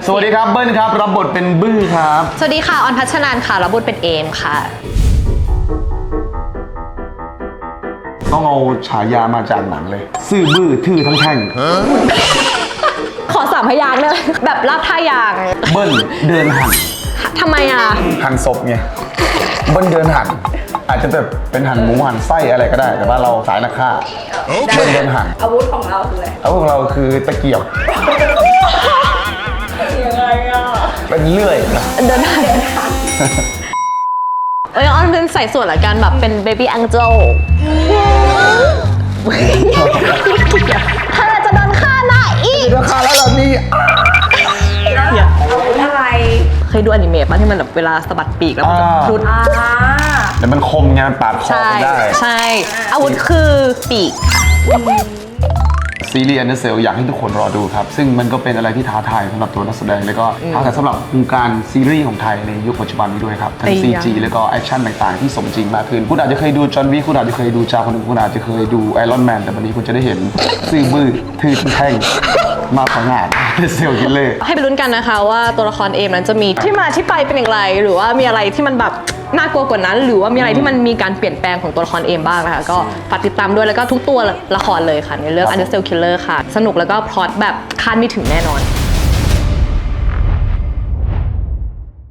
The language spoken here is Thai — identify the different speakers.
Speaker 1: สวัสดีครับเบิ้ลครับรับบทเป็นบื้อครับ
Speaker 2: สวัสดีค่ะออนพัชนานค่ะรับบทเป็นเอมค่ะ
Speaker 1: ต้องเอาฉายามาจากหนังเลย ซื่อบื้อทื่อทั้งแท่ง
Speaker 2: ขอ3 พยางค์เลยแบบลากท่ายาง
Speaker 1: เบิ้ลเดินหัน
Speaker 2: ทำไมอ่ะ
Speaker 1: หันศพไงเบิ้ลเดินหัน อาจจะแบบเป็นหันหมูหันไส้อะไรก็ได้ แต่ว่าเราสายนักฆ่าเบิ้ลเดินหัน
Speaker 3: อาวุธของเราคืออะไร
Speaker 1: อาวุธของเราคือตะเกียบ
Speaker 3: ยังไงอ่ะ
Speaker 1: เป็นเลื่อยนะ
Speaker 2: เดินทางออนเป็นใส่ส่วนละกันแบบเป็นเบบี้แองเจิลเธอจะโดนฆ่านะอีก
Speaker 1: ราคาแล้วเหรอนี่
Speaker 3: อาวุธอะไร
Speaker 2: เคยดูอนิเมะป่ะที่มันแบบเวลาสะบัดปีกแล้วมันจะพลุด
Speaker 1: แต่มันคมไงมันปาดคอ
Speaker 2: ใช่
Speaker 1: ได้
Speaker 2: ใช่อาวุธคือปีก
Speaker 1: ซีรีส์ Undertale อยากให้ทุกคนรอดูครับ ซึ่งมันก็เป็นอะไรที่ท้าทายสำหรับตัวนักแสดงแล้วก็ท้าทายสำหรับวงการซีรีส์ของไทยในยุคปัจจุบันนี้ด้วยครับ ทั้ง CG แล้วก็แอคชั่นต่างๆที่สมจริงมากขึ้น คุณอาจจะเคยดูจอห์นวิกคุณอาจจะเคยดูจาคนหนึ่งคุณอาจจะเคยดูไอรอนแมนแต่วันนี้คุณจะได้เห็นซื่อบื้อทื่อแท่งมาผงาดเซลล์คิลเลอร์
Speaker 2: ให้ไปลุ้นกันนะคะว่าตัวละครเอมนั้นจะมีที่มาที่ไปเป็นอย่างไร หรือว่ามีอะไรที่มันแบบน่ากลัวกว่านั้น หรือว่ามีอะไรที่มันมีการเปลี่ยนแปลงของตัวละครเอมบ้างนะคะก็ฝากติดตามด้วยแล้วก็ทุกตัวละครเลยค่ะในเรื่อง Undertale Killer ค่ะสนุกแล้วก็พล็อตแบบคาดไม่ถึงแน่นอน